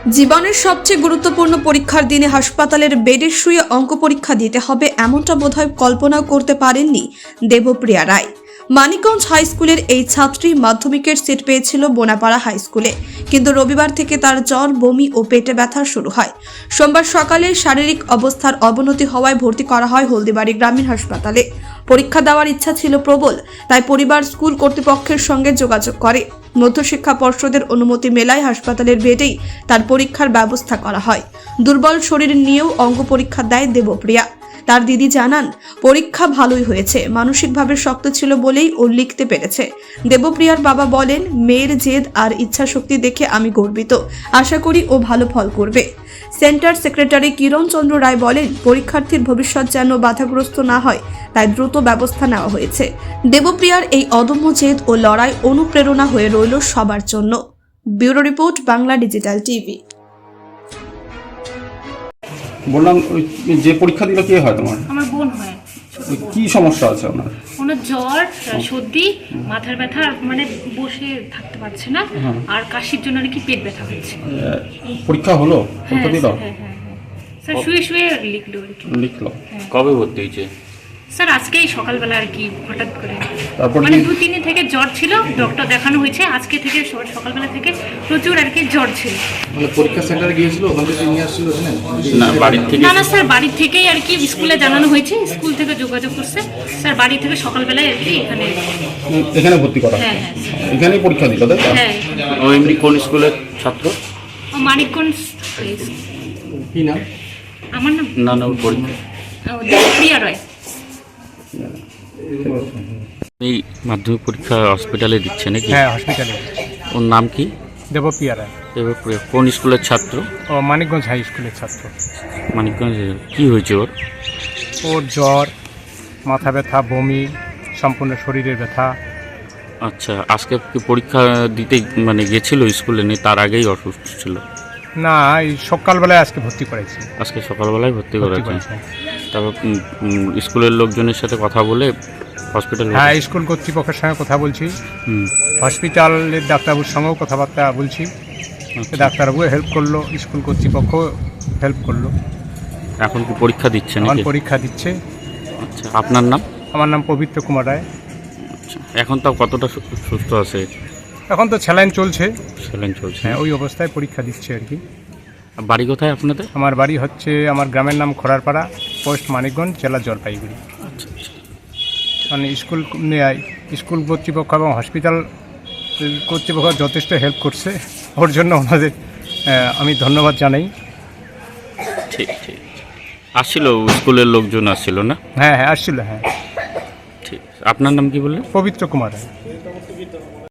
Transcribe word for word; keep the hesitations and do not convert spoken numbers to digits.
জীবনের সবচেয়ে গুরুত্বপূর্ণ পরীক্ষার দিনে হাসপাতালের বেডে শুয়ে অঙ্ক পরীক্ষা দিতে হবে এমনটা বোধহয় কল্পনাও করতে পারেননি দেবপ্রিয়া রায়। মানিকগঞ্জ হাই স্কুলের এই ছাত্রী মাধ্যমিকের সিট পেয়েছিল বোনাপাড়া হাই স্কুলে, কিন্তু রবিবার থেকে তার জ্বর, বমি ও পেটে ব্যথা শুরু হয়। সোমবার সকালে শারীরিক অবস্থার অবনতি হওয়ায় ভর্তি করা হয় হলদিবাড়ি গ্রামীণ হাসপাতালে। পরীক্ষা দেওয়ার ইচ্ছা ছিল প্রবল, তাই পরিবার স্কুল কর্তৃপক্ষের সঙ্গে যোগাযোগ করে। মধ্যশিক্ষা পর্ষদের অনুমতি মেলায় হাসপাতালের বেডেই তার পরীক্ষার ব্যবস্থা করা হয়। দুর্বল শরীর নিয়েও অঙ্ক পরীক্ষা দেয় দেবপ্রিয়া। তার দিদি জানান, পরীক্ষা ভালোই হয়েছে, মানসিকভাবে শক্ত ছিল বলেই ও লিখতে পেরেছে। দেবপ্রিয়ার বাবা বলেন, মেয়ের জেদ আর ইচ্ছা শক্তি দেখে আমি গর্বিত, আশা করি ও ভালো ফল করবে। সেন্টার সেক্রেটারি কিরণ চন্দ্র রায় বলেন, পরীক্ষার্থীর ভবিষ্যৎ যেন বাধাগ্রস্ত না হয়, তাই দ্রুত ব্যবস্থা নেওয়া হয়েছে। দেবপ্রিয়ার এই অদম্য জেদ ও লড়াই অনুপ্রেরণা হয়ে রইল সবার জন্য। Bureau report, Bangla digital TV. বললাম, ওই যে পরীক্ষা দিল কে হয় তোমার? আমার বোন হয়। ওই কি সমস্যা আছে আপনার? ওনার জ্বর, সর্দি, মাথার ব্যথা, মানে বসে থাকতে পারছে না, আর কাশির জন্য নাকি পেট ব্যথা হচ্ছে। পরীক্ষা হলো? পরীক্ষা দিল? হ্যাঁ হ্যাঁ হ্যাঁ স্যার, শুয়ে শুয়ে লিখলো আর কি। লিখলো? কবে ভর্তি হয়েছে? স্যার আজকেই সকালবেলা আর কি, হঠাৎ করে তারপর মানে কি- দু তিন দিন থেকে জ্বর ছিল, ডক্টর দেখানো হয়েছে, আজকে থেকে স- সকালবেলা থেকে প্রচুর আর কি জ্বর ছিল। মানে পরীক্ষা সেন্টারে গিয়েছিল, ওখান থেকে নিয়ে আসছিল এখানে? না, বাড়ির থেকে? না না স্যার, বাড়ির থেকেই আর কি স্কুলে জানানো হয়েছে, স্কুল থেকে যোগাযোগ করছে স্যার, বাড়ি থেকে সকালবেলায় আর কি এখানে। এখানে ভর্তি করা? হ্যাঁ হ্যাঁ স্যার। এখানেই পরীক্ষা দিল, তাই তো? হ্যাঁ, ও এমনি কোন স্কুলের ছাত্র? ও মানিকগঞ্জ। কি নাম? আমার নাম না না, ওর পরীক্ষা। ও, দেবপ্রিয়া রায়। এই মাধ্যমিক পরীক্ষা হসপিটালে দিচ্ছে নাকি? হ্যাঁ, হসপিটালে। ওর নাম কি? দেবপ্রিয়া রায়। এবার কোন স্কুলের ছাত্র? ও মানিকগঞ্জ হাই স্কুলের ছাত্র। মানিকগঞ্জে কি হয়েছে ওর? ওর জ্বর, মাথা ব্যথা, বমি, সম্পূর্ণ শরীরের ব্যথা। আচ্ছা, আজকে কি পরীক্ষা দিতে মানে গেছিল স্কুলে, নেই তার আগেই অসুস্থ ছিল? না, এই সকালবেলায় আজকে ভর্তি করেছি। আজকে সকালবেলায় ভর্তি ভর্তি করেছে। করেছি। তারপর উম, উম, স্কুলের লোকজনের সাথে কথা বলে হসপিটাল? হ্যাঁ, স্কুল কর্তৃপক্ষের সঙ্গে কথা বলছি, হুম। হসপিটালের ডাক্তারবাবুর সঙ্গেও কথাবার্তা বলছি। আচ্ছা। ডাক্তারবাবু হেল্প করলো, স্কুল কর্তৃপক্ষ হেল্প করলো। এখন কি পরীক্ষা দিচ্ছে এখন নাকি? পরীক্ষা দিচ্ছে। আচ্ছা, আপনার নাম? আমার নাম পবিত্র কুমার রায়। আচ্ছা, এখন তাও কতটা সু- সুস্থ আছে? এখন তো স্যালাইন চলছে। স্যালাইন চলছে। হ্যাঁ, ওই অবস্থায় পরীক্ষা দিচ্ছে আর কি। বাড়ি কোথায় আপনাদের? আমার বাড়ি হচ্ছে, আমার গ্রামের নাম খোড়ারপাড়া, পোস্ট মানিকগঞ্জ, জেলা জলপাইগুড়ি। আচ্ছা আচ্ছা। মানে স্কুল নেয়, স্কুল কর্তৃপক্ষ এবং হসপিটাল কর্তৃপক্ষ যথেষ্ট হেল্প করছে, ওর জন্য ওনাদের আহ, আমি ধন্যবাদ জানাই। ঠিক ঠিক। আসছিল স্কুলের লোকজন আসছিল না? হ্যাঁ হ্যাঁ আসছিল, হ্যাঁ। ঠিক। আপনার নাম কি বললেন? পবিত্র কুমার রায়।